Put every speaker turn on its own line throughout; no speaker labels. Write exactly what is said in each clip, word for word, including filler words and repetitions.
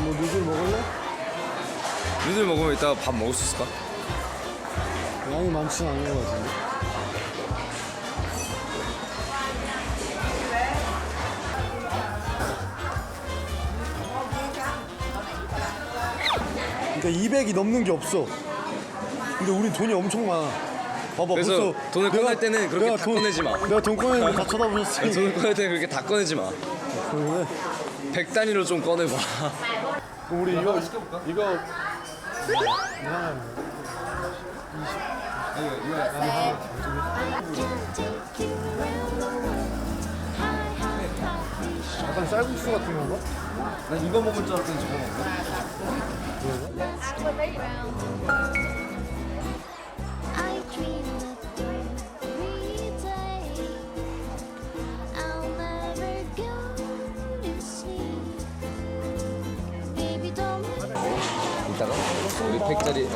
뭐 누들 먹을래?
누들 먹으면 이따가 밥 먹을 수 있을까?
양이 많지는 않은 것 같은데. 그러니까 이백이 넘는 게 없어. 근데 우리 돈이 엄청 많아. 봐봐.
그래서
벌써
돈을
내가-
꺼낼 때는 그렇게
내가
다
돈-
꺼내지 마.
내가 돈 꺼내는 거 다 쳐다보셨으니.
돈을 꺼낼 때는 그렇게 다 꺼내지 마.
그러네.
백 단위로 좀 꺼내봐.
그럼 우리 이거 이거 약간 쌀국수 같은 건가?
난 이거 먹을 줄 알았더니 저거 먹네.
I dream of you every day. I'll never go to sleep. Baby, don't
이따가 우리 백짜리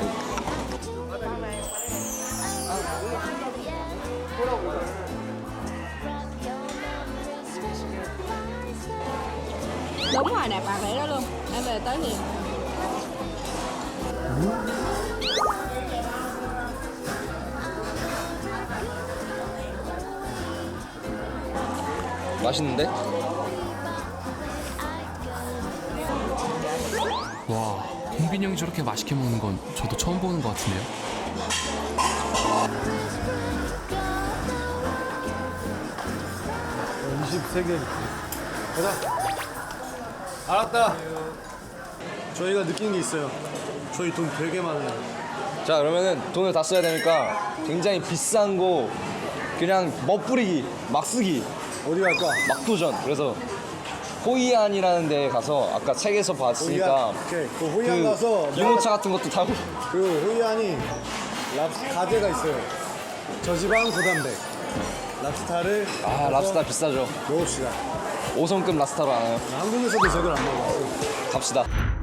Đúng rồi, nạp bạc để đó luôn. Em về tới liền.
맛있는데?
와, 홍빈이 형이 저렇게 맛있게 먹는 건 저도 처음 보는 것 같은데요.
이십세 개. 가자. 알았다. 저희가 느낀 게 있어요. 저희 돈 되게 많아요.
자, 그러면은 돈을 다 써야 되니까 굉장히 비싼 거 그냥 멋부리기, 막 쓰기,
어디 갈까?
막 도전. 그래서 호이안이라는 데 가서 아까 책에서 봤으니까
호이안. 오케이. 그 호이안 가서
유모차 같은 것도 타고
그 호이안이 랍스 가게가 있어요. 저지방 고단백. 랍스타를
아,
가서
랍스타 비싸죠.
먹읍시다.
오 성급 랍스타로 하나요?
한국에서도 저걸 안 먹어.
갑시다.